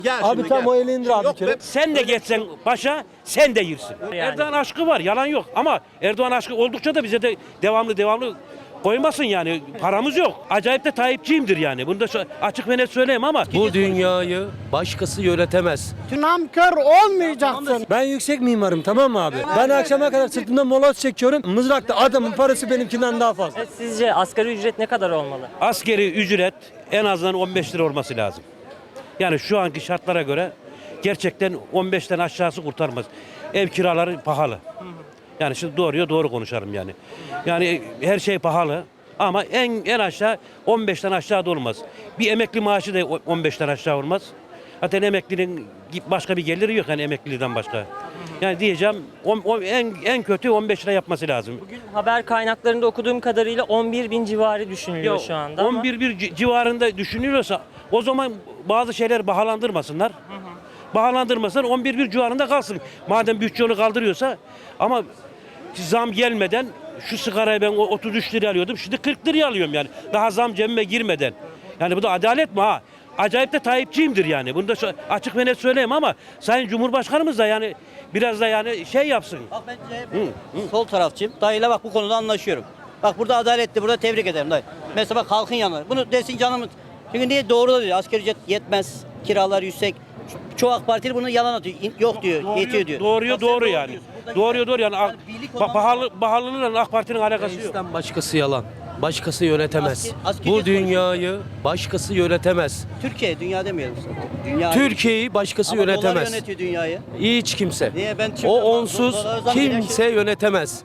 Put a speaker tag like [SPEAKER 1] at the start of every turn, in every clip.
[SPEAKER 1] Gel
[SPEAKER 2] Abi
[SPEAKER 1] şimdi,
[SPEAKER 2] tam
[SPEAKER 1] gel.
[SPEAKER 2] o eli indir abi
[SPEAKER 1] Yok
[SPEAKER 2] bir kere.
[SPEAKER 1] be-
[SPEAKER 3] Sen de geçsen başa, sen de yersin.
[SPEAKER 4] Yani.
[SPEAKER 3] Erdoğan aşkı var, yalan yok. Ama Erdoğan aşkı oldukça da bize de devamlı koymasın yani. Paramız yok. Acayip de Tayyipçiyimdir yani. Bunu da açık ve net söyleyeyim ama.
[SPEAKER 5] Bu dünyayı başkası yönetemez.
[SPEAKER 6] Namkör olmayacaksın.
[SPEAKER 2] Ben yüksek mimarım, tamam mı abi? Ben akşama kadar sırtımda moloz çekiyorum. Mızrakta adamın parası benimkinden daha fazla.
[SPEAKER 4] Sizce asgari ücret ne kadar olmalı?
[SPEAKER 3] Askeri ücret en azından 15 lira olması lazım. Yani şu anki şartlara göre gerçekten 15'ten aşağısı kurtarmaz. Ev kiraları pahalı. Yani şimdi doğruya doğru konuşalım yani. Yani her şey pahalı ama en aşağı 15'ten aşağı da olmaz. Bir emekli maaşı da 15'ten aşağı olmaz. Zaten emeklinin başka bir geliri yok yani emekliden başka. Yani diyeceğim en kötü 15 lira yapması lazım.
[SPEAKER 4] Bugün haber kaynaklarında okuduğum kadarıyla 11 bin civarı düşünülüyor şu anda.
[SPEAKER 3] 11 bir civarında düşünülüyorsa o zaman bazı şeyler bahalandırmasınlar. Bahalandırmasınlar 11 bir civarında kalsın. Madem bütçe onu kaldırıyorsa ama zam gelmeden şu sigarayı ben 33 liraya alıyordum. Şimdi 40 liraya alıyorum yani. Daha zam cebime girmeden. Yani bu da adalet mi ha? Acayip de Tayyipçiyimdir yani. Bunu da açık ve net söyleyeyim ama Sayın Cumhurbaşkanımız da yani biraz da yani şey yapsın.
[SPEAKER 7] Bak ben sol tarafçıyım. Dayıyla bak bu konuda anlaşıyorum. Bak burada adaletli, burada tebrik ederim dayı. Mesela bak halkın yanı. Bunu desin canımız. Çünkü niye doğru da diyor. Asgari ücret yetmez. Kiralar yüksek. Çoğu AK Partili bunu yalan atıyor. Yok diyor, yetiyor diyor.
[SPEAKER 3] Doğruya
[SPEAKER 7] Bak sen
[SPEAKER 3] doğru yani.
[SPEAKER 7] diyorsun. Burada
[SPEAKER 3] Doğru yani.
[SPEAKER 7] birlik olmamız
[SPEAKER 3] Pahalılığıyla AK Parti'nin alakası yok.
[SPEAKER 5] Reisten başkası yalan. Başkası yönetemez.
[SPEAKER 7] Askeri
[SPEAKER 5] Bu
[SPEAKER 7] ücret
[SPEAKER 5] dünyayı başkası yönetemez.
[SPEAKER 7] Türkiye, dünya demeyelim sana. Dünya.
[SPEAKER 5] Türkiye'yi başkası
[SPEAKER 7] Ama dolar
[SPEAKER 5] yönetemez.
[SPEAKER 7] yönetiyor dünyayı.
[SPEAKER 5] Hiç kimse.
[SPEAKER 7] Niye? Ben
[SPEAKER 5] O
[SPEAKER 7] şimdi
[SPEAKER 5] onsuz
[SPEAKER 7] dolara zam
[SPEAKER 5] kimse
[SPEAKER 7] gelen
[SPEAKER 5] yönetemez.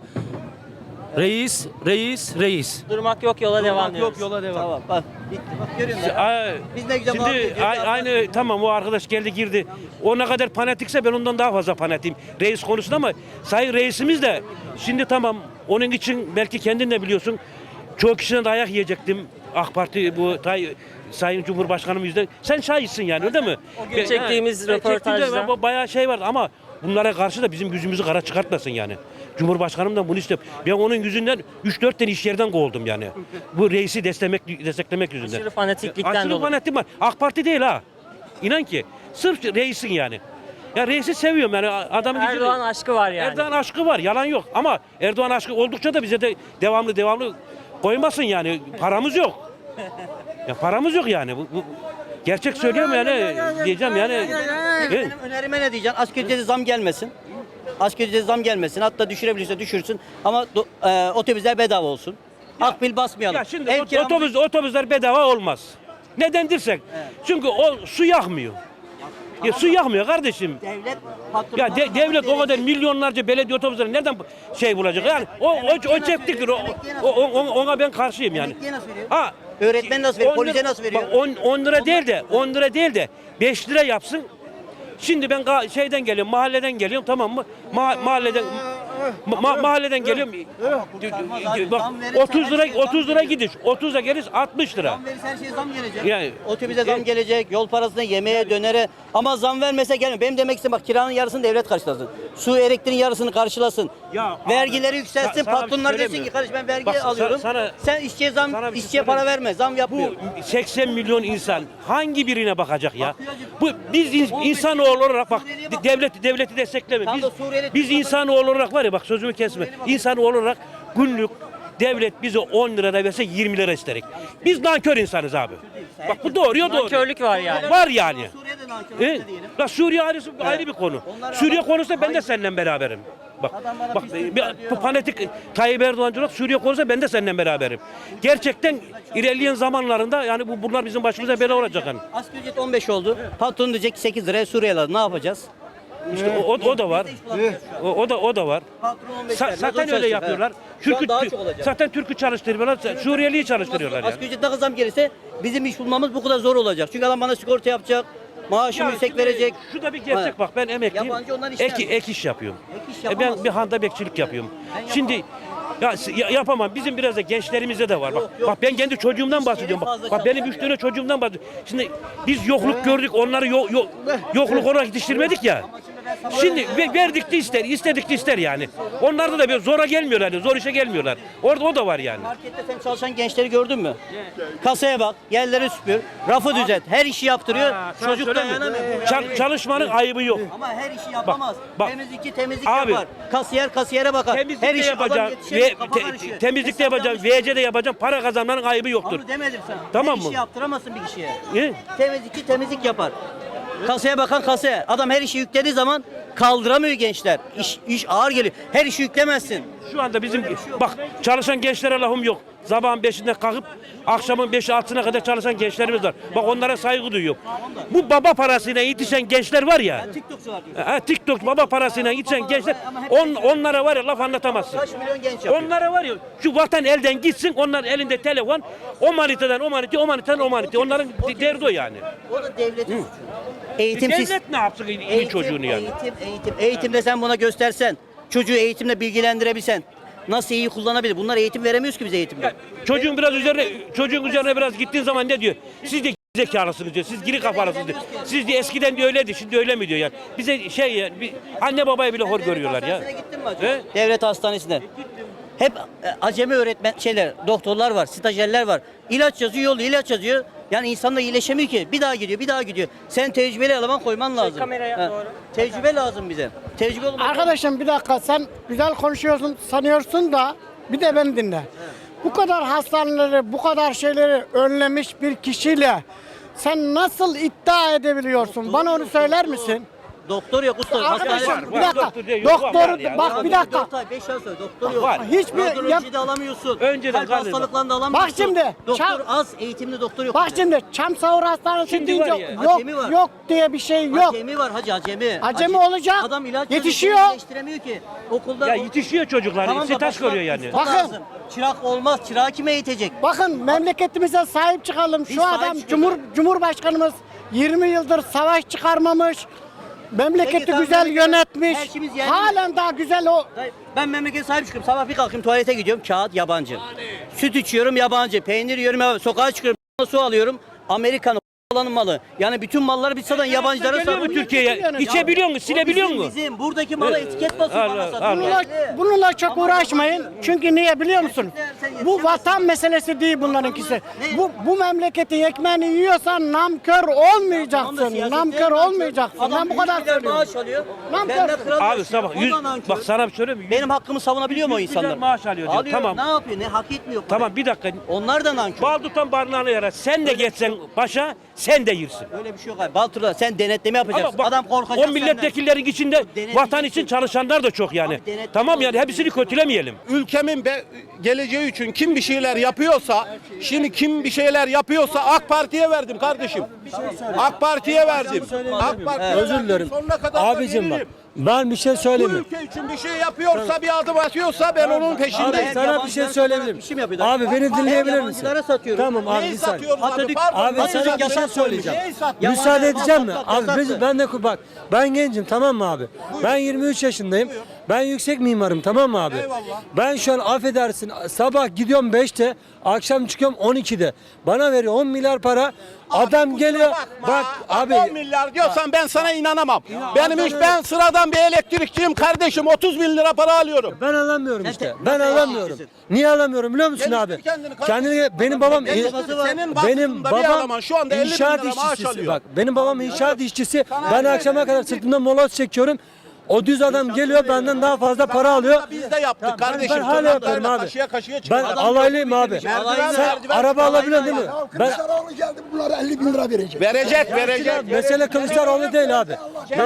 [SPEAKER 5] Reis.
[SPEAKER 4] Durmak yok, yola devam
[SPEAKER 5] Yok
[SPEAKER 4] diyoruz.
[SPEAKER 5] yola devam.
[SPEAKER 7] Tamam bak. Bitti. Bak görüyor musun? Biz ne güzel muhabbet
[SPEAKER 3] Şimdi
[SPEAKER 7] ediyoruz.
[SPEAKER 3] aynı tamam o arkadaş geldi girdi. O ne kadar fanatikse ben ondan daha fazla fanatiyim. Reis konusunda ama sayın reisimiz de şimdi tamam onun için belki kendin de biliyorsun çoğu kişiden dayak yiyecektim. AK Parti bu Sayın Cumhurbaşkanım yüzünden. Sen şahitsin yani öyle mi?
[SPEAKER 4] O gün çektiğimiz röportajda.
[SPEAKER 3] Çektiğimde bayağı şey vardı ama bunlara karşı da bizim yüzümüzü kara çıkartmasın yani. Cumhurbaşkanım da bunu istiyor. Ben onun yüzünden 3-4 tane iş yerden kovuldum yani. Bu reisi desteklemek yüzünden.
[SPEAKER 4] Aşırı fanatiklikten
[SPEAKER 3] Aşırı
[SPEAKER 4] dolayı.
[SPEAKER 3] fanatik var. AK Parti değil ha. İnan ki. Sırf reisin yani. Ya reisi seviyorum yani adamın
[SPEAKER 4] Erdoğan aşkı var yani.
[SPEAKER 3] Erdoğan aşkı var yalan yok ama Erdoğan aşkı oldukça da bize de devamlı koymasın yani paramız yok. Ya paramız yok yani. Bu gerçek söylüyorum yani diyeceğim yani.
[SPEAKER 7] Benim önerime ne diyeceksin? Asgari ücrete zam gelmesin. Asgari ücrete zam gelmesin. Hatta düşürebilirse düşürsün. Ama otobüsler bedava olsun. Akbil basmayalım.
[SPEAKER 3] Ya şimdi
[SPEAKER 7] Ev kiramızı-
[SPEAKER 3] otobüsler bedava olmaz. Neden dersek? Çünkü o su yakmıyor. Ya su yakmıyor kardeşim.
[SPEAKER 7] Devlet patron.
[SPEAKER 3] Ya devlet o kadar milyonlarca belediye otobüsleri nereden şey bulacak? Yani o çektiktir. Ona ben karşıyım yani.
[SPEAKER 7] Emekliye nasıl veriyor?
[SPEAKER 3] Ha.
[SPEAKER 7] Öğretmen nasıl veriyor?
[SPEAKER 3] 10
[SPEAKER 7] Polise
[SPEAKER 3] lira-
[SPEAKER 7] nasıl veriyor?
[SPEAKER 3] bak 10 lira değil de 10 lira değil de 5 lira yapsın. Şimdi ben şeyden geliyorum, mahalleden geliyorum tamam mı? Mahalleden geliyorum. Bak 30 lira gidiş, 30 lira geliş 60 lira.
[SPEAKER 7] Zam verirse her şeye zam gelecek.
[SPEAKER 3] Yani-
[SPEAKER 7] Otobüse zam gelecek, yol parasına, yemeğe, dönere. Ama zam vermese gelmiyor. Benim demek istediğim bak kiranın yarısını devlet karşılasın. Su, elektriğin yarısını karşılasın.
[SPEAKER 3] Ya
[SPEAKER 7] Vergileri
[SPEAKER 3] abi,
[SPEAKER 7] yükselsin,
[SPEAKER 3] sana bir
[SPEAKER 7] patronlar
[SPEAKER 3] şey
[SPEAKER 7] desin
[SPEAKER 3] söyleyeyim
[SPEAKER 7] ki
[SPEAKER 3] mi?
[SPEAKER 7] kardeş ben vergi
[SPEAKER 3] Bak,
[SPEAKER 7] alıyorum.
[SPEAKER 3] sana-
[SPEAKER 7] Sen işçiye
[SPEAKER 3] sana bir şey
[SPEAKER 7] işçiye
[SPEAKER 3] söyleyeyim
[SPEAKER 7] para
[SPEAKER 3] mi?
[SPEAKER 7] verme, zam yapmıyor.
[SPEAKER 3] Bu 80 milyon insan hangi birine bakacak ya? Bu biz insanoğlu olarak bak devleti destekleme.
[SPEAKER 7] Tam da Suriyeli
[SPEAKER 3] Biz insanoğlu olarak var ya bak sözümü kesme. İnsanoğlu olarak günlük devlet bize 10 lira da verse 20 lira isterik. Biz nankör insanız abi. Bak bu doğruya doğru.
[SPEAKER 4] Nankörlük var yani.
[SPEAKER 3] Var yani.
[SPEAKER 7] Suriye'de nankörlük
[SPEAKER 3] E?
[SPEAKER 7] de diyelim.
[SPEAKER 3] La Suriye ayrı bir konu.
[SPEAKER 7] Onlar
[SPEAKER 3] Suriye
[SPEAKER 7] adam-
[SPEAKER 3] konusunda ben de seninle beraberim. Bak,
[SPEAKER 7] Adam bana
[SPEAKER 3] bak
[SPEAKER 7] pislik
[SPEAKER 3] bir
[SPEAKER 7] var diyor.
[SPEAKER 3] fanatik Tayyip Erdoğancı olarak Suriye konusunda ben de seninle beraberim. Gerçekten ilerleyen zamanlarında yani bunlar bizim başımıza bela olacak yani.
[SPEAKER 7] Asgari ücret 15 oldu. Patron diyecek ki 8 liraya Suriyeli aldı. Ne yapacağız?
[SPEAKER 3] İşte o da var. O da var.
[SPEAKER 7] Patron 15 vermez, o
[SPEAKER 3] Zaten öyle
[SPEAKER 7] çalışacak,
[SPEAKER 3] yapıyorlar.
[SPEAKER 7] ha. Şu an daha çok olacak.
[SPEAKER 3] Zaten Türk'ü çalıştırıyorlar. Suriyeli'yi çalıştırıyorlar yani.
[SPEAKER 7] Asgari ücret ne kadar zam gelirse bizim iş bulmamız bu kadar zor olacak. Çünkü adam bana sigorta yapacak, maaşımı yüksek
[SPEAKER 3] şimdi
[SPEAKER 7] verecek.
[SPEAKER 3] Şu da bir gerçek
[SPEAKER 7] Ha.
[SPEAKER 3] bak ben emekliyim.
[SPEAKER 7] Yabancı onlar işler mi?
[SPEAKER 3] Ek iş yapıyorum.
[SPEAKER 7] Ek iş
[SPEAKER 3] Ben
[SPEAKER 7] yapamazsın.
[SPEAKER 3] bir handa bekçilik yapıyorum. Şimdi yapamam. Bizim biraz da gençlerimizde de var. Bak,
[SPEAKER 7] yok.
[SPEAKER 3] bak ben kendi çocuğumdan bahsediyorum. Bak benim 3 tane çocuğumdan bahsediyorum. Şimdi biz yokluk gördük. Onları yokluk olarak yetiştirmedik ya. Şimdi verdik de ister, istedik de ister yani. Onlarda da bir zora gelmiyorlar, yani, zor işe gelmiyorlar. Orada o da var yani.
[SPEAKER 7] Markette sen çalışan gençleri gördün mü? Kasaya bak, yerleri süpür, rafı düzelt, her işi yaptırıyor. Çocuk dayanamıyor.
[SPEAKER 3] Çalışmanın ayıbı yok.
[SPEAKER 7] Ama her işi yapamaz.
[SPEAKER 3] bak.
[SPEAKER 7] Temizlik
[SPEAKER 3] Abi,
[SPEAKER 7] yapar. Kasiyer kasiyere bakar.
[SPEAKER 3] Temizlikte
[SPEAKER 7] her işi
[SPEAKER 3] yapacağım, temizlikte yapacağım, VC'de yapacağım, para kazanmanın ayıbı yoktur.
[SPEAKER 7] Onu demedim sana.
[SPEAKER 3] Tamam
[SPEAKER 7] her
[SPEAKER 3] mı?
[SPEAKER 7] işi yaptıramazsın bir kişiye.
[SPEAKER 3] Ne?
[SPEAKER 7] Temizlikçi temizlik yapar. Kasaya bakan kasaya. Adam her işi yüklediği zaman kaldıramıyor gençler. İş ağır geliyor. Her işi yüklemezsin.
[SPEAKER 3] Şu anda bizim bak çalışan gençlere lafım yok. Sabahın 5'inde kalkıp akşamın 5'i 6'sına kadar çalışan gençlerimiz var. Bak onlara saygı duyuyorum. Bu baba parasıyla yetişen gençler var ya.
[SPEAKER 7] TikTokçu var diyor.
[SPEAKER 3] TikTok baba parasıyla yetişen gençler onlara var ya laf anlatamazsın.
[SPEAKER 7] Kaç milyon genç yapıyor.
[SPEAKER 3] Onlara var ya şu vatan elden gitsin onlar elinde telefon o manitadan o manita o manitadan o manita onların derdi o yani.
[SPEAKER 7] O da devletin suçu. Eğitim
[SPEAKER 3] Devlet ne yapsın iyi çocuğunu yani?
[SPEAKER 7] Eğitimde sen buna göstersen, çocuğu eğitimle bilgilendirebilsen, nasıl iyi kullanabilir? Bunlar eğitim veremiyoruz ki biz eğitimde.
[SPEAKER 3] Çocuğun üzerine biraz gittiğin zaman ne diyor? Siz de zekalısınız diyor. Siz geri kafalısınız diyor. Siz de eskiden de öyleydi. Şimdi öyle mi diyor yani? Bize anne babaya bile hor görüyorlar ya.
[SPEAKER 7] Devlet hastanesine gittin mi acaba? Devlet hastanesine. Hep acemi doktorlar var, stajyerler var. İlaç yazıyor, yolluyor, ilaç yazıyor. Yani insan da iyileşemiyor ki. Bir daha gidiyor. Sen tecrübeli eleman koyman lazım.
[SPEAKER 4] kameraya doğru.
[SPEAKER 7] Tecrübe lazım bize. Tecrübe olmadan.
[SPEAKER 6] Arkadaşım bir dakika, sen güzel konuşuyorsun sanıyorsun da bir de beni dinle. Bu kadar hastaneleri, bu kadar şeyleri önlemiş bir kişiyle sen nasıl iddia edebiliyorsun? Bana onu söyler misin?
[SPEAKER 7] Doktor yok usta.
[SPEAKER 6] Arkadaşım
[SPEAKER 7] Hastane
[SPEAKER 6] bir dakika.
[SPEAKER 3] doktor diye yok, var
[SPEAKER 6] Doktoru
[SPEAKER 3] yani.
[SPEAKER 6] bak bir dakika.
[SPEAKER 7] 4 ay 5 ay sonra doktor yok.
[SPEAKER 3] Var.
[SPEAKER 6] Hiçbir
[SPEAKER 7] Radyoloji de alamıyorsun.
[SPEAKER 3] Önceden
[SPEAKER 7] Kalp
[SPEAKER 3] galiba.
[SPEAKER 7] hastalıklarını da alamıyorsun.
[SPEAKER 6] Bak şimdi,
[SPEAKER 7] Doktor az, eğitimli doktor yok.
[SPEAKER 6] Bak
[SPEAKER 7] bize.
[SPEAKER 6] şimdi Çamsavur Hastanesi
[SPEAKER 3] Şimdi
[SPEAKER 6] deyince
[SPEAKER 3] var ya.
[SPEAKER 6] yok
[SPEAKER 7] Acemi var.
[SPEAKER 6] yok diye bir şey yok.
[SPEAKER 7] Acemi var hacı acemi.
[SPEAKER 6] Acemi olacak.
[SPEAKER 7] Adam ilaç
[SPEAKER 6] Yetişiyor.
[SPEAKER 7] Yetiştiremiyor ki. Okulda
[SPEAKER 3] Ya yetişiyor çocuklar.
[SPEAKER 7] Tamam da
[SPEAKER 3] Sitaş
[SPEAKER 7] başka
[SPEAKER 3] görüyor yani.
[SPEAKER 7] usta
[SPEAKER 6] Bakın.
[SPEAKER 7] lazım. Çırak olmaz. Çırağı kime eğitecek?
[SPEAKER 6] Bakın memleketimize sahip çıkalım.
[SPEAKER 7] Biz
[SPEAKER 6] Şu
[SPEAKER 7] sahip
[SPEAKER 6] adam
[SPEAKER 7] çıkalım.
[SPEAKER 6] Cumhurbaşkanımız 20 yıldır savaş çıkarmamış. Memleketi
[SPEAKER 7] Peki, tamam,
[SPEAKER 6] güzel
[SPEAKER 7] memleket-
[SPEAKER 6] yönetmiş.
[SPEAKER 7] her şeyimiz yerli.
[SPEAKER 6] Halen daha güzel o.
[SPEAKER 7] Dayı, ben memleket sahip çıkıyorum. Sabah bir kalkayım tuvalete gidiyorum. Kağıt yabancı. Süt içiyorum yabancı. Peynir yiyorum yabancı. Sokağa çıkıyorum. Su alıyorum. Amerikan olanın malı. Yani bütün malları biz satan yabancılara
[SPEAKER 3] Geliyor mu
[SPEAKER 7] satıyoruz.
[SPEAKER 3] Türkiye'ye? İçebiliyor musun? Silebiliyor musun?
[SPEAKER 7] Bizim buradaki mala etiket basıyor
[SPEAKER 3] Allah,
[SPEAKER 7] bana
[SPEAKER 3] Allah.
[SPEAKER 7] satıyor.
[SPEAKER 6] Bununla çok uğraşmayın. Çünkü niye biliyor musun? Bu vatan meselesi değil bunlarınkisi. Bu memleketin ekmeğini yiyorsan namkör olmayacaksın. Namkör olmayacaksın. Ben bu kadar söylüyorum.
[SPEAKER 7] Maaş alıyor.
[SPEAKER 6] Nankör.
[SPEAKER 7] Benden kral
[SPEAKER 3] Abi
[SPEAKER 7] yaşıyor.
[SPEAKER 3] sabah
[SPEAKER 7] O da nankör.
[SPEAKER 3] bak sana bir söyleyeyim mi?
[SPEAKER 7] Benim hakkımı savunabiliyor mu o
[SPEAKER 3] 100 milyar
[SPEAKER 7] insanlar?
[SPEAKER 3] maaş alıyor diyor.
[SPEAKER 7] Alıyor.
[SPEAKER 3] Tamam.
[SPEAKER 7] Ne yapıyor? Ne hak etmiyor? parayı.
[SPEAKER 3] Tamam bir dakika.
[SPEAKER 7] Onlar da nankör.
[SPEAKER 3] Bal tutan barınağını yarar. Sen de geçsen başa sen de yirsin.
[SPEAKER 7] Öyle bir şey yok abi. Baltur'da sen denetleme yapacaksın.
[SPEAKER 3] Ama bak,
[SPEAKER 7] Adam korkacak
[SPEAKER 3] o
[SPEAKER 7] senden.
[SPEAKER 3] milletvekillerin içinde
[SPEAKER 7] Denetim
[SPEAKER 3] vatan için
[SPEAKER 7] için.
[SPEAKER 3] çalışanlar da çok yani.
[SPEAKER 7] Abi denetim
[SPEAKER 3] Tamam yani
[SPEAKER 7] olacak.
[SPEAKER 3] hepsini kötülemeyelim.
[SPEAKER 1] Ülkemin geleceği için kim bir şeyler yapıyorsa, şimdi kim bir şeyler yapıyorsa AK Parti'ye verdim kardeşim. AK Parti'ye verdim. AK Parti'ye
[SPEAKER 2] Özür
[SPEAKER 1] verdim.
[SPEAKER 2] dilerim.
[SPEAKER 1] Sonuna kadar da
[SPEAKER 2] Abicim bak.
[SPEAKER 1] veririm.
[SPEAKER 2] Ben bir şey
[SPEAKER 1] Bu
[SPEAKER 2] söyleyeyim mi?
[SPEAKER 1] ülke için bir şey yapıyorsa, bir adım atıyorsa ben onun
[SPEAKER 2] Abi
[SPEAKER 1] peşindeyim.
[SPEAKER 2] sana bir şey söyleyebilirim.
[SPEAKER 7] İşim yapıyor.
[SPEAKER 2] Abi beni dinleyebilir misin?
[SPEAKER 7] Yabancılara satıyorum.
[SPEAKER 2] Tamam abi
[SPEAKER 1] Neyi
[SPEAKER 2] bir saniye.
[SPEAKER 1] satıyoruz abi?
[SPEAKER 7] Atatürk-
[SPEAKER 1] Pardon,
[SPEAKER 2] Abi
[SPEAKER 1] Atatürk
[SPEAKER 2] sana bir şey
[SPEAKER 1] yasak
[SPEAKER 2] söyleyeceğim.
[SPEAKER 1] koymuş. Neyi
[SPEAKER 7] Ya
[SPEAKER 2] Müsaade
[SPEAKER 7] bana
[SPEAKER 2] edeceğim mi?
[SPEAKER 7] yasak,
[SPEAKER 2] Abi
[SPEAKER 7] yasak.
[SPEAKER 2] ben de bak ben gencim tamam mı abi? Ben 23 yaşındayım. Ben yüksek mimarım tamam mı abi?
[SPEAKER 1] Eyvallah.
[SPEAKER 2] Ben şu an affedersin sabah gidiyorum 5'te akşam çıkıyorum 12'de. Bana veriyor 10 milyar para. Adam
[SPEAKER 1] kusura
[SPEAKER 2] geliyor.
[SPEAKER 1] bakma.
[SPEAKER 2] Bak abi
[SPEAKER 1] 10 milyar diyorsan ben sana inanamam. Ben sıradan bir elektrikçiyim kardeşim. 30 bin lira para alıyorum.
[SPEAKER 2] ben alamıyorum işte.
[SPEAKER 7] nasıl
[SPEAKER 2] Ben alamıyorum.
[SPEAKER 7] yapıyorsun?
[SPEAKER 2] Niye alamıyorum biliyor musun
[SPEAKER 1] Geliştir
[SPEAKER 2] abi?
[SPEAKER 1] kendini
[SPEAKER 2] Kendini benim babam
[SPEAKER 1] Senin
[SPEAKER 2] benim
[SPEAKER 1] basitinde bir
[SPEAKER 2] babam
[SPEAKER 1] eleman şu anda 50 bin
[SPEAKER 2] inşaat
[SPEAKER 1] lira maaş
[SPEAKER 2] işçisi.
[SPEAKER 1] alıyor.
[SPEAKER 2] Bak benim babam inşaat işçisi. Ben akşama kadar sırtımda moloz çekiyorum. O düz adam geliyor benden daha fazla para alıyor.
[SPEAKER 1] Biz de yaptık
[SPEAKER 2] Ben
[SPEAKER 1] kardeşim.
[SPEAKER 2] hala yapıyorum
[SPEAKER 1] Tırnaklarla
[SPEAKER 2] abi.
[SPEAKER 1] Kaşıya kaşıya
[SPEAKER 2] Ben
[SPEAKER 1] çıkıyor.
[SPEAKER 2] alaylıyım abi.
[SPEAKER 1] Merdiven,
[SPEAKER 2] Sen
[SPEAKER 1] merdiven
[SPEAKER 2] araba
[SPEAKER 1] çıkıyor.
[SPEAKER 2] alabiliyorsun değil mi? Ben
[SPEAKER 8] Kılıçdaroğlu geldi bunlara 50 bin lira verecek.
[SPEAKER 1] Verecek.
[SPEAKER 2] mesele Kılıçdaroğlu değil abi.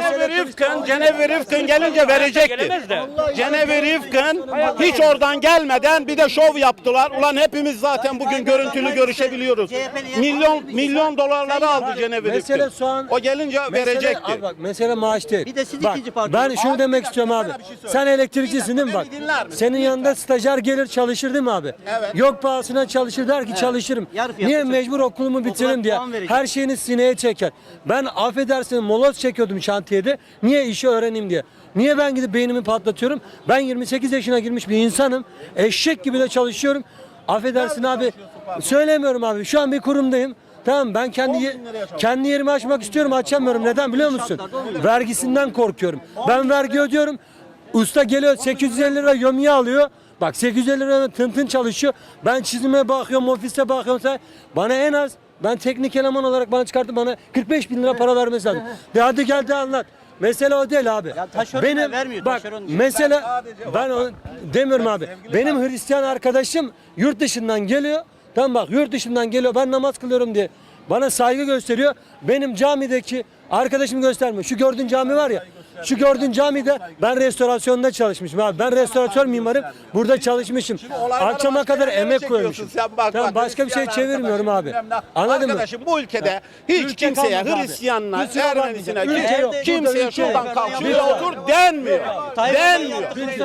[SPEAKER 1] Cenevre Rıfkın gelince verecekti.
[SPEAKER 3] Gelemez de.
[SPEAKER 1] Cenevre Rıfkın hiç oradan gelmeden bir de şov yaptılar. Ulan hepimiz zaten bugün görüntülü görüşebiliyoruz. Milyon dolarları aldı Cenevre
[SPEAKER 2] Mesele
[SPEAKER 1] Rıfkın.
[SPEAKER 2] soğan.
[SPEAKER 1] O gelince verecekti.
[SPEAKER 2] Abi bak mesele maaş değil.
[SPEAKER 7] Bir de siz
[SPEAKER 2] Bak,
[SPEAKER 7] ikinci parti.
[SPEAKER 2] ben şunu demek istiyorum abi.
[SPEAKER 1] sana bir şey söyleyeyim.
[SPEAKER 2] Sen elektrikçisin değil mi bak?
[SPEAKER 1] Beni dinler misin?
[SPEAKER 2] Senin yanında stajyer gelir çalışır değil mi abi?
[SPEAKER 1] Evet.
[SPEAKER 2] Yok pahasına çalışır der ki çalışırım.
[SPEAKER 7] Yarı fiyatı
[SPEAKER 2] Niye
[SPEAKER 7] çalışır.
[SPEAKER 2] mecbur okulumu bitiririm diye.
[SPEAKER 7] puan verecek.
[SPEAKER 2] Her şeyini sineye çeker. Ben affedersin moloz çekiyordum şantiyede. Niye işi öğreneyim diye. Niye ben gidip beynimi patlatıyorum? Ben 28 yaşına girmiş bir insanım. Eşek gibi de çalışıyorum. Affedersin abi. Söylemiyorum abi. Şu an bir kurumdayım. Tamam, ben kendi yerimi açmak istiyorum, açamıyorum. Neden biliyor musun? Vergisinden korkuyorum. Ben vergi ödüyorum. Usta geliyor 850 lira yömye alıyor. Bak 850 lira tın çalışıyor. Ben çizime bakıyorum, ofiste bakıyorum. Bana en az, ben teknik eleman olarak bana çıkartıp bana 45 bin lira para vermesi lazım. De hadi gel de anlat. Mesele o değil abi.
[SPEAKER 7] taşeron vermiyor,
[SPEAKER 2] bak
[SPEAKER 7] taşeron için.
[SPEAKER 2] mesela ben onu demiyorum abi. Benim Hristiyan arkadaşım yurt dışından geliyor. Tamam bak, yurt dışından geliyor, ben namaz kılıyorum diye bana saygı gösteriyor. Benim camideki arkadaşım göstermiyor. Şu gördüğün cami var ya. Şu gördüğün camide ben restorasyonda çalışmışım abi. Ben restoratör mimarım. Burada çalışmışım. Akşama kadar emek koymuşum. Tamam, başka bir şey çevirmiyorum abi. Anladın mı?
[SPEAKER 1] Arkadaşım bu ülkede hiç
[SPEAKER 2] Ülke
[SPEAKER 1] kimseye,
[SPEAKER 2] kalmadı abi.
[SPEAKER 1] Hristiyanına,
[SPEAKER 2] Ülke yok abi.
[SPEAKER 1] Ermenisine,
[SPEAKER 2] Ülke yok.
[SPEAKER 1] kimseye
[SPEAKER 2] Ülke yok.
[SPEAKER 1] şuradan kalk şuraya otur denmiyor. Denmiyor.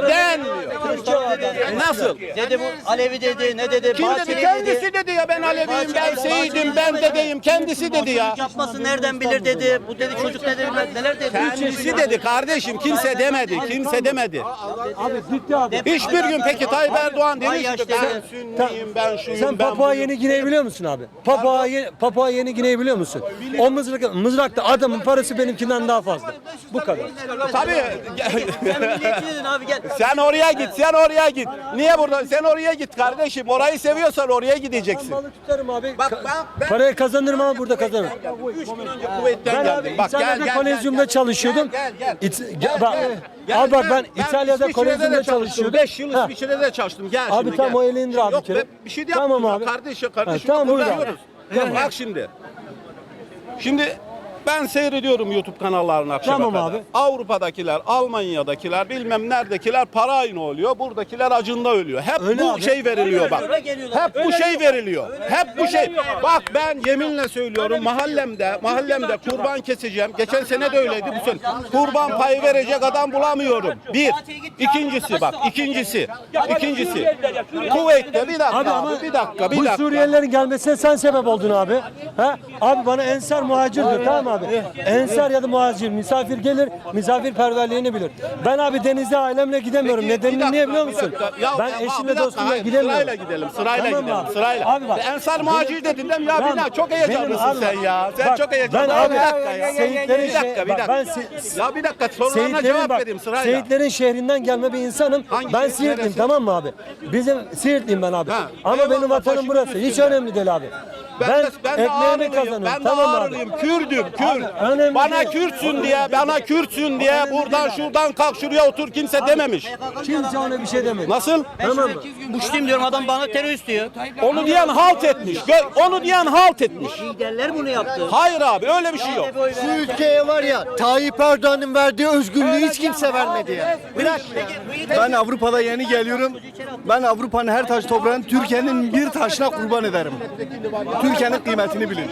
[SPEAKER 1] Nasıl?
[SPEAKER 7] Dedi bu Alevi dedi, ne dedi,
[SPEAKER 1] Kim dedi?
[SPEAKER 7] Bahçeli
[SPEAKER 1] Kendisi dedi ya, ben Aleviyim, ben Seyidim, ben dedeyim. Kendisi dedi ya.
[SPEAKER 7] Çocuk yapmasın nereden bilir dedi. Bu dedi çocuk ne dedi, neler dedi.
[SPEAKER 1] Kendisi dedi kardeşim, kimse demedi, kimse demedi.
[SPEAKER 2] Abi ciddi abi.
[SPEAKER 1] Hiçbir gün peki Tayyip Erdoğan
[SPEAKER 7] Vay
[SPEAKER 1] demiş ki
[SPEAKER 7] yaşlı.
[SPEAKER 1] ben Sünniyim, ben şuyum,
[SPEAKER 2] Sen
[SPEAKER 1] ben
[SPEAKER 2] Papua
[SPEAKER 1] buyum.
[SPEAKER 2] Yeni Gine'yi biliyor musun abi? Papua Yeni Gine'yi biliyor musun? O mızrakta adamın parası benimkinden daha fazla. Bu kadar.
[SPEAKER 1] Tabii.
[SPEAKER 7] Sen milliyetçi dedin abi gel.
[SPEAKER 1] Sen oraya git, sen oraya git. Niye burada? Sen oraya git kardeşim. Orayı seviyorsan oraya gideceksin.
[SPEAKER 2] Balık tutarım abi.
[SPEAKER 1] Bak, ben-
[SPEAKER 2] Parayı kazanırım ama burada kazanırım.
[SPEAKER 1] 3 gün önce kuvvetten
[SPEAKER 2] Ben
[SPEAKER 1] geldim.
[SPEAKER 2] abi
[SPEAKER 1] Bak gel
[SPEAKER 2] İtalya'da
[SPEAKER 1] gel.
[SPEAKER 2] kolezyumda çalışıyordum.
[SPEAKER 1] Gel.
[SPEAKER 2] Abi bak ben İtalya'da kolezyumda çalışıyordum.
[SPEAKER 1] 5 yıl
[SPEAKER 2] Ha.
[SPEAKER 1] İsviçre'de çalıştım. Gel
[SPEAKER 2] Abi
[SPEAKER 1] şimdi
[SPEAKER 2] tamam,
[SPEAKER 1] gel.
[SPEAKER 2] o elini indir abi
[SPEAKER 1] Yok
[SPEAKER 2] bir kere.
[SPEAKER 1] be, bir şey de
[SPEAKER 2] Tamam
[SPEAKER 1] yapmıyoruz.
[SPEAKER 2] abi.
[SPEAKER 1] Kardeşim
[SPEAKER 2] Ha, tamam, buyur abi.
[SPEAKER 1] kurtarıyoruz. Bak şimdi. Şimdi ben seyrediyorum YouTube kanallarını akşama
[SPEAKER 2] Tamam
[SPEAKER 1] kadar.
[SPEAKER 2] abi.
[SPEAKER 1] Avrupa'dakiler, Almanya'dakiler, bilmem neredekiler para aynı oluyor. Buradakiler acında ölüyor. Hep
[SPEAKER 2] Öyle
[SPEAKER 1] bu
[SPEAKER 2] abi.
[SPEAKER 1] şey veriliyor bak.
[SPEAKER 7] Öyle geliyorlar.
[SPEAKER 1] Hep bu şey veriliyor. Hep bu şey. Bak ben yeminle söylüyorum, mahallemde kurban keseceğim. Geçen sene de öyleydi bu sene. Kurban payı verecek adam bulamıyorum. Bir. İkincisi. Kuveyt'te bir dakika abi, bir dakika.
[SPEAKER 2] Bu Suriyelilerin gelmesine sen sebep oldun abi. Ha? Abi bana ensar muhacir diyor, tamam abi. Ensar ya da muhacir, misafir gelir, misafirperverliğini bilir. Ben abi denize ailemle gidemiyorum. Nedenini niye biliyor musun? Ben eşimle dostumla gidemiyorum.
[SPEAKER 1] Sırayla gidelim,
[SPEAKER 2] Tamam
[SPEAKER 1] gidelim,
[SPEAKER 2] abi.
[SPEAKER 1] sırayla.
[SPEAKER 2] Abi bak.
[SPEAKER 1] Ensar muhacir dedin değil mi? Ya Bina çok heyecanlısın
[SPEAKER 2] Benim
[SPEAKER 1] sen
[SPEAKER 2] abi-
[SPEAKER 1] ya. Sen
[SPEAKER 2] Bak,
[SPEAKER 1] çok heyecanlısın.
[SPEAKER 2] ben abi
[SPEAKER 1] Bir dakika ya.
[SPEAKER 2] Seyitlerin
[SPEAKER 1] Bir dakika.
[SPEAKER 2] bak, ben
[SPEAKER 1] Ya bir dakika sorularına cevap vereyim sırayla.
[SPEAKER 2] Seyitlerin şehrinden gelme bir insanım.
[SPEAKER 1] Hangi
[SPEAKER 2] Ben
[SPEAKER 1] şehir,
[SPEAKER 2] Siirtliyim,
[SPEAKER 1] neresi?
[SPEAKER 2] tamam mı abi? Bizim Siirtliyim ben abi.
[SPEAKER 1] Ha,
[SPEAKER 2] Ama
[SPEAKER 1] eyvallah,
[SPEAKER 2] benim vatanım
[SPEAKER 1] başım
[SPEAKER 2] burası. Hiç
[SPEAKER 1] üstüne.
[SPEAKER 2] önemli değil abi. Ben
[SPEAKER 1] de
[SPEAKER 2] ekmeğimi
[SPEAKER 1] Ağrılıyım,
[SPEAKER 2] kazanıyorum.
[SPEAKER 1] ben de
[SPEAKER 2] Tamam mı abi?
[SPEAKER 1] Ağrılıyım, Kürdüm, Kürt.
[SPEAKER 2] önemli
[SPEAKER 1] Bana
[SPEAKER 2] değil.
[SPEAKER 1] Kürtsün diye buradan şuradan kalk şuraya otur kimse dememiş.
[SPEAKER 2] Kimse ona bir şey demedi.
[SPEAKER 1] Nasıl?
[SPEAKER 2] Tamam mı?
[SPEAKER 7] Muşluyum diyorum adam bana terörist diyor.
[SPEAKER 1] Onu diyen halt etmiş. Onu diyen halt etmiş.
[SPEAKER 7] Liderler bunu yaptı.
[SPEAKER 1] Hayır abi öyle bir şey yok.
[SPEAKER 9] Şu ülkeye var ya Tayyip Erdoğan'ın verdiği özgürlüğü hiç kimse vermedi ya.
[SPEAKER 8] Ben Avrupa'da yeni geliyorum. Ben Avrupa'nın her taş toprağını Türkiye'nin bir taşına kurban ederim. Türkiye'nin kıymetini bilin.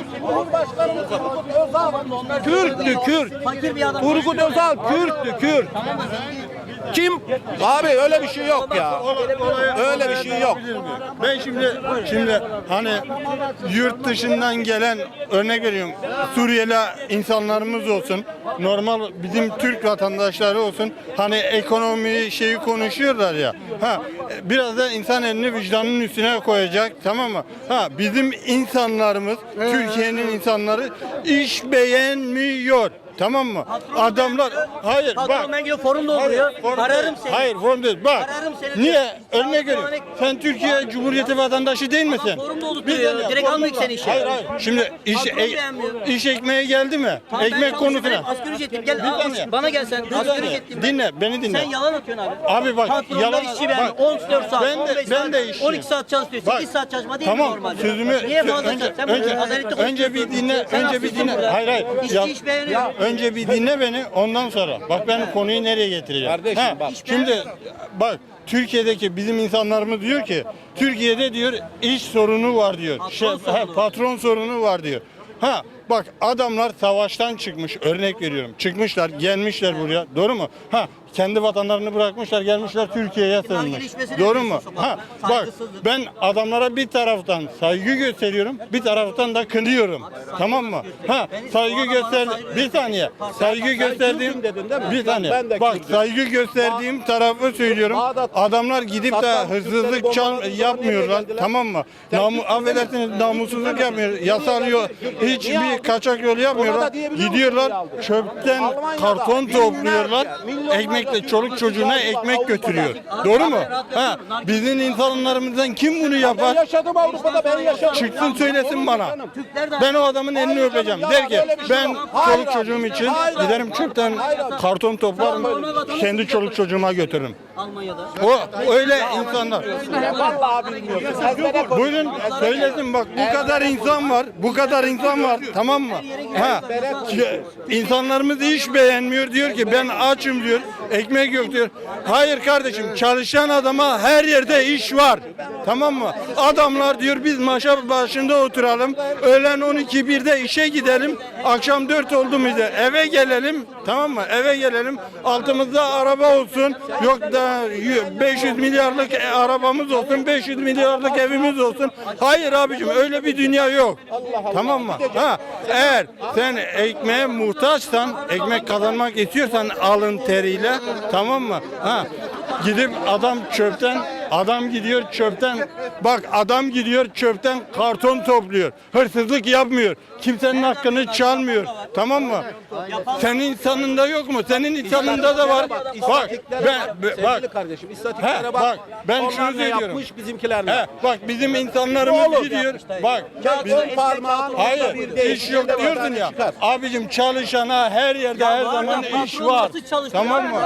[SPEAKER 1] Kürttü Kürt.
[SPEAKER 7] Fakir bir adam.
[SPEAKER 1] Turgut Özal Kürttü Kürt. Kim? Abi öyle bir şey yok ya. Öyle bir şey yok.
[SPEAKER 10] Ben şimdi hani yurt dışından gelen örnek veriyorum Suriyeli insanlarımız olsun, normal bizim Türk vatandaşları olsun, hani ekonomi şeyi konuşuyorlar ya. Biraz da insan elini vicdanının üstüne koyacak, tamam mı? Bizim insanlarımız, Türkiye'nin insanları iş beğenmiyor. Tamam mı? Adamlar hayır
[SPEAKER 7] Patron
[SPEAKER 10] bak.
[SPEAKER 7] ben gidiyor forum dolduruyor. Ararım seni.
[SPEAKER 10] Hayır forum değil. Bak.
[SPEAKER 7] Ararım seni.
[SPEAKER 10] Niye? Örnek veriyorum. Sen Türkiye Cumhuriyeti vatandaşı değil misin?
[SPEAKER 7] Forum dolduruyor. Direkt almayık seni işe.
[SPEAKER 10] Hayır. Şimdi
[SPEAKER 7] Patron beğenmiyor.
[SPEAKER 10] iş ekmeğe geldi mi?
[SPEAKER 7] Tamam, ben
[SPEAKER 10] Ekmek
[SPEAKER 7] çalışıyorum.
[SPEAKER 10] konusuna.
[SPEAKER 7] Asgari ücretliyim. Gel
[SPEAKER 10] saniye.
[SPEAKER 7] bana gel sen. Asgari ücretliyim.
[SPEAKER 10] Dinle, beni dinle.
[SPEAKER 7] Sen yalan atıyorsun abi.
[SPEAKER 10] Abi bak,
[SPEAKER 7] Patronlar
[SPEAKER 10] yalan-
[SPEAKER 7] işçi beğenmiyor.
[SPEAKER 10] bak,
[SPEAKER 7] 14 saat,
[SPEAKER 10] ben de-
[SPEAKER 7] 15
[SPEAKER 10] ben
[SPEAKER 7] saat,
[SPEAKER 10] de işçiyim.
[SPEAKER 7] 12 saat çalışıyor.
[SPEAKER 10] Bak,
[SPEAKER 7] 8 saat çalışma değil mi
[SPEAKER 10] Tamam,
[SPEAKER 7] normalde?
[SPEAKER 10] sözümü
[SPEAKER 7] Niye fazla
[SPEAKER 10] önce
[SPEAKER 7] sen bunu
[SPEAKER 10] önce
[SPEAKER 7] adaletli
[SPEAKER 10] önce bir
[SPEAKER 7] konuşuyorsun.
[SPEAKER 10] dinle,
[SPEAKER 7] Sen
[SPEAKER 10] önce bir
[SPEAKER 7] haksızsın
[SPEAKER 10] dinle.
[SPEAKER 7] burada.
[SPEAKER 10] Hayır.
[SPEAKER 7] İşçi iş beğeniyor.
[SPEAKER 10] Önce bir dinle beni, ondan sonra. Bak ben konuyu nereye getireceğim.
[SPEAKER 1] Kardeşim bak.
[SPEAKER 10] Şimdi bak Türkiye'deki bizim insanlarımız diyor ki Türkiye'de diyor iş sorunu var diyor. Patron sorunu var diyor. Bak adamlar savaştan çıkmış, örnek veriyorum. Çıkmışlar, gelmişler buraya. Doğru mu? Ha, kendi vatanlarını bırakmışlar, gelmişler Türkiye'ye sığınmış.
[SPEAKER 7] gelişmesine
[SPEAKER 10] Doğru
[SPEAKER 7] diyorsun
[SPEAKER 10] mu?
[SPEAKER 7] sokakta.
[SPEAKER 10] Ha, bak
[SPEAKER 7] Saygısızlık.
[SPEAKER 10] ben adamlara bir taraftan saygı gösteriyorum, bir taraftan da kınıyorum. Tamam mı? Ha, saygı göster, bir saniye. Saygı gösterdiğim,
[SPEAKER 1] Kürt'üm dedin değil mi?
[SPEAKER 10] bir saniye.
[SPEAKER 1] Ben de
[SPEAKER 10] Bak
[SPEAKER 1] Kürt'üm.
[SPEAKER 10] saygı gösterdiğim tarafı söylüyorum. Adamlar gidip de
[SPEAKER 1] Saddam
[SPEAKER 10] hırsızlık
[SPEAKER 1] Hüseyin'i
[SPEAKER 10] çal
[SPEAKER 1] bombalarını
[SPEAKER 10] yapmıyorlar.
[SPEAKER 1] nereye
[SPEAKER 10] Tamam mı? Affedersiniz namussuzluk yapmıyor. Yasal
[SPEAKER 1] Niye
[SPEAKER 10] hiçbir
[SPEAKER 1] aldın?
[SPEAKER 10] kaçak yol
[SPEAKER 1] Ona
[SPEAKER 10] yapmıyorlar.
[SPEAKER 1] da diyebiliyor musun
[SPEAKER 10] Gidiyorlar
[SPEAKER 1] niye aldın?
[SPEAKER 10] çöpten
[SPEAKER 1] Almanya'da
[SPEAKER 10] karton topluyorlar.
[SPEAKER 1] milyonlarca
[SPEAKER 10] Ekmekle çoluk çocuğuna ekmek götürüyor. Doğru mu? Ha, bizim insanlarımızdan kim bunu
[SPEAKER 1] Ben
[SPEAKER 10] yapar?
[SPEAKER 1] yaşadım Avrupa'da, ben yaşadım.
[SPEAKER 10] Çıksın söylesin bana. Ben o adamın elini öpeceğim. Der ki ben çoluk çocuğum için giderim çöpten karton toplarım. Kendi çoluk çocuğuma götürürüm.
[SPEAKER 7] Almanya'da.
[SPEAKER 10] O öyle insanlar.
[SPEAKER 1] Vallahi bilmiyorsun. Ezbere konuş.
[SPEAKER 10] Buyurun söylesin bak bu kadar insan var. Bu kadar insan var. Tamam mı? Ha. İnsanlarımız iş beğenmiyor diyor ki ben açım diyor. Ekmek yok diyor. Hayır kardeşim çalışan adama her yerde iş var. Tamam mı? Adamlar diyor biz maşa başında oturalım. Öğlen 12-1'de işe gidelim. Akşam 4 oldu muydu? Eve gelelim. Tamam mı? Eve gelelim. Altımızda araba olsun. Yok da 500 milyarlık arabamız olsun. 500 milyarlık evimiz olsun. Hayır abicim öyle bir dünya yok. Tamam mı? Ha, eğer sen ekmeğe muhtaçsan, ekmek kazanmak istiyorsan alın teriyle, tamam mı? Ha, gidip adam gidiyor çöpten, bak adam gidiyor çöpten karton topluyor. Hırsızlık yapmıyor. Kimsenin hakkını çalmıyor. Tamam mı? Senin insanında yok mu? Senin insanında da var. Bak
[SPEAKER 1] Sevgili kardeşim, istatistiklere bak.
[SPEAKER 10] ben
[SPEAKER 1] Onlar
[SPEAKER 10] şunu
[SPEAKER 1] ne
[SPEAKER 10] söylüyorum.
[SPEAKER 1] yapmış bizimkilerle.
[SPEAKER 10] Bak bizim insanlarımız gidiyor. Bak
[SPEAKER 1] On parmağın
[SPEAKER 10] hayır
[SPEAKER 1] orada bir değil.
[SPEAKER 10] iş yok
[SPEAKER 1] Şimdi
[SPEAKER 10] diyorsun
[SPEAKER 1] vatandaş
[SPEAKER 10] ya.
[SPEAKER 1] çıkar.
[SPEAKER 10] Abicim çalışana her yerde her zaman iş var. Tamam mı?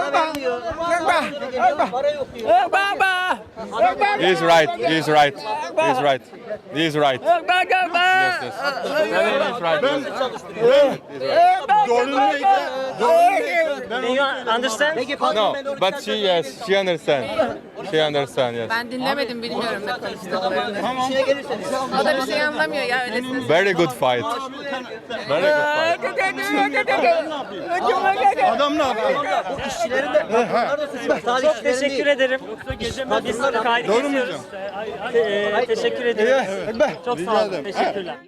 [SPEAKER 11] He's right. He's right. He's right. He's right. Yes, yes. He's right.
[SPEAKER 4] Do you understand?
[SPEAKER 11] No, but she yes, she understand. She understand. Yes.
[SPEAKER 12] Ben dinlemedim, bilmiyorum ne konuştuklarını. O da bir şey anlamıyor ya öylesine.
[SPEAKER 11] Very good fight. Very good fight.
[SPEAKER 10] Adam ne yapıyor?
[SPEAKER 4] Çok teşekkür ederim. Biz kaydı
[SPEAKER 10] Doğru mu
[SPEAKER 4] kesiyoruz. Teşekkür ederim. Çok sağ olun. Teşekkürler.